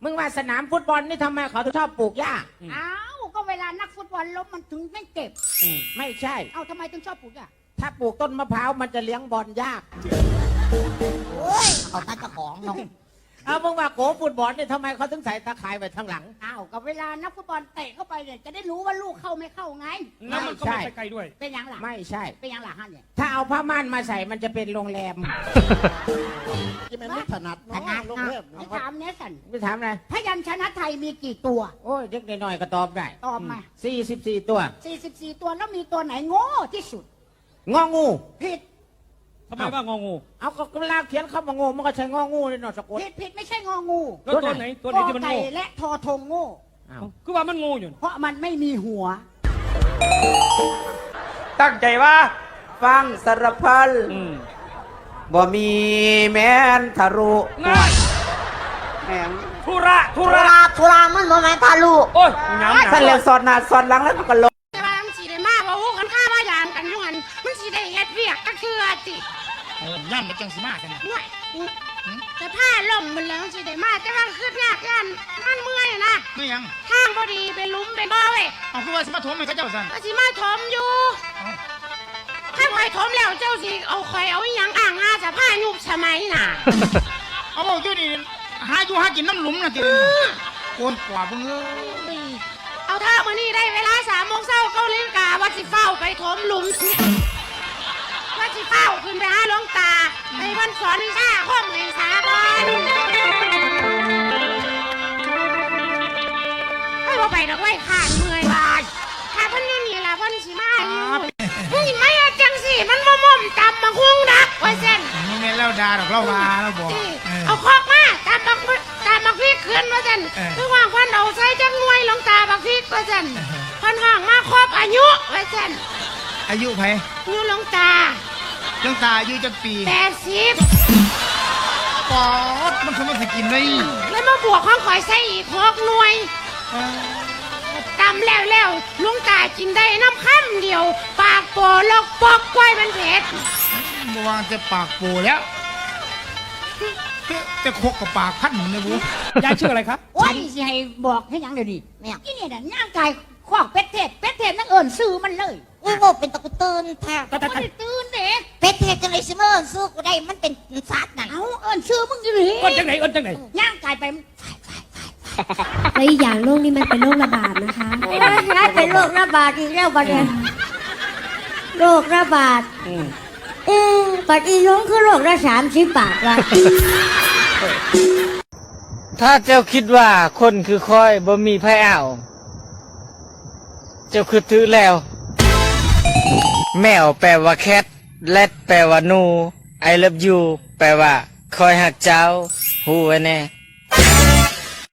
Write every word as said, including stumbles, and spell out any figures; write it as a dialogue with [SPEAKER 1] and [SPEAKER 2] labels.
[SPEAKER 1] มึงว่าสนามฟุตบอลนี่ทำไมเขาถึงชอบปลูกหญ้า
[SPEAKER 2] อ้าวก็เวลานักฟุตบอลล้มมันถึงไม่เจ็บ
[SPEAKER 1] ไม่ใช่
[SPEAKER 2] เอ้าทำไมถึงชอบปลูกหญ้า
[SPEAKER 1] ถ้าปลูกต้นมะพร้าวมันจะเลี้ยงบอลยาก
[SPEAKER 2] โอ้ยเอาตาเจ้าของน้อง
[SPEAKER 1] เอามึงว่าโกฟุตบอลนี่ทำไมเขาถึงใส่ตาข่ายไว้ข้างหลัง
[SPEAKER 2] อ้าวก็เวลานักฟุตบอลเตะเข้าไปเนี่ยจะได้รู้ว่าลูกเข้าไม่เข้าไง
[SPEAKER 3] แล้วมันก็ไม่ไปไกลด้วย
[SPEAKER 2] เป็นยังหล่ะ
[SPEAKER 1] ไม่ใช่
[SPEAKER 2] เป็นยังหล่ะฮะเนี่ย
[SPEAKER 1] ถ้าเอาผ้าม่านมาใส่มันจะเป็นโรงแรม
[SPEAKER 4] ที่มันไม่ถนัด
[SPEAKER 2] ถนัดโรงแรมถามเนี้ยสัน
[SPEAKER 1] ไม่ถามอะไร
[SPEAKER 2] พยัญชนะไทยมีกี่ตัว
[SPEAKER 1] โอ้ยเด็กน้อยๆก็ตอบได้
[SPEAKER 2] ตอบมา
[SPEAKER 1] สี่สิบสี่ตัว
[SPEAKER 2] สี่สิบสี่ตัวแล้วมีตัวไหนโง่ที่สุด
[SPEAKER 1] งองู
[SPEAKER 2] ผิด
[SPEAKER 3] ทำไมว่างองู
[SPEAKER 1] เอาก็เวลาเขียนคำว่างูมันก็ใช้งองูเลยเนาะสะกด
[SPEAKER 2] ผิดผิดไม่ใช่งองู
[SPEAKER 3] แล้วตัวไหนตัวไหนที่มันโง่
[SPEAKER 2] และทอทงโง่
[SPEAKER 3] คือว่ามันงูอยู่
[SPEAKER 2] เพราะมันไม่มีหัว
[SPEAKER 5] ตั้งใจว่าฟังสารพันบ่มีแม่นทะลุ
[SPEAKER 3] ง่าย
[SPEAKER 5] แม่ง
[SPEAKER 3] ทุระทุระ
[SPEAKER 2] ทุระมันบ่แม่นทะลุ
[SPEAKER 3] โอ้ยน้ำ
[SPEAKER 5] สั่นแล้วสอดหน้าสอดหลังแล้วก็ลง
[SPEAKER 2] แต่ว่ามันสีได้มากว่าหูกันข้าว่ายามกันอยู่หันมันสีได้เฮ็ดเวียกก็คือจิ
[SPEAKER 3] ย่ำมันจังสีมากกัน
[SPEAKER 2] ง่ายแต่ผ้าล่มมันแล้วสีได้มากแต่ว่าคือยากยันมันเมื่อยนะ
[SPEAKER 3] ไม่ยัง
[SPEAKER 2] ทางพอดีเป็นลุ้มเป็นบ่อเว้ย
[SPEAKER 3] เอาคือว่าสมาถมให้เขาเจ้าสั่น
[SPEAKER 2] ก็สิมาถมอยู่ถ้าใครถมแล้วเจ้าสิเอาใครเอาอย่างอ่างงาจะผ้ายุบสมัยน่ะ
[SPEAKER 3] เอาบอกอยู่นี่หาอยู่หากินน้ำหลุมนะทีโกนกว่าเพิ่งเอ้ย
[SPEAKER 2] เอาท่ามานี่ได้เวลาสามโมงเช้าเก้าลิ้นกาวัดสิเฝ้าไปถมหลุมวัดสิเฝ้าขึ้นไปหาหลวงตาไปวันสอนวิชาข้อมเองสาบานให้เราไปดอกไว้ขาดเมื่อยบาดถ้าพันนี่นี่ละพันสิมาอยู่มึงไม่เอาจังสิมันม่อมตำมาคุ้งดักไว้เส้น
[SPEAKER 3] นี่แม่เล่าดาดอกเล่ามาแล้วบอก
[SPEAKER 2] เอาคอกมาตำบักตำบักพริกขึ้นไว้เส้นคือว่างพันเอาใส่จังงวยหลวงตาบักพริกไว้เส้นพันห่างมาครบอายุไว้เส้น
[SPEAKER 3] อายุไผ
[SPEAKER 2] อายุหลวงตา
[SPEAKER 3] หลวงตาอายุจักปี
[SPEAKER 2] แปดสิบ
[SPEAKER 3] ปอดมันคือมันสิกินเลย
[SPEAKER 2] แล้วมาบวกข้องข่อยใส่อีกหกหน่วยตำแล้วแล้วลุงตากินได้น้ำข้ามเดียวปากโปลกปอกกล้วยมันเผ็ด
[SPEAKER 3] เมื่อวานจะปากโปแล้วจะโคกกับปากพันเลยบุยายชื่ออะไรครับ
[SPEAKER 2] โอ้ยสิให้บอกให้ยังเดี๋ยวนี้แม่ที่นี่น่ะย่างกายขวากเป็ดเทศเป็ดเทศนั่งเอิญซื้อมันเลย
[SPEAKER 6] อุ้ยบอกเป็นตะกุตื่นแท้
[SPEAKER 2] ตะกุตื่นเด็ก
[SPEAKER 6] เป็ดเทศจะเลยซื้อมาเอิญซื้อกูได้มันเป็นสัตว์นั่น
[SPEAKER 2] เอาเอิญซื้อมึงอยู่หรือ
[SPEAKER 3] เอิญจังไหนเอิญจังไหน
[SPEAKER 2] ย่างกายไป
[SPEAKER 7] และอีกอย่างโรคนี้มันเป็นโรคระบาดนะคะ
[SPEAKER 6] เป็นโรคระบาดอีกแล้วประเด็นโรคระบาดเออปัจจุบันคือโรคละสามสิบบาทละ
[SPEAKER 5] ถ้าเจ้าคิดว่าคนคือคอยบ่มีไผเอาเจ้าคือถือแล้วแมวแปลว่าแคทแรดแปลว่านู I love you แปลว่าคอยหักเจ้าฮู้ไว้แน่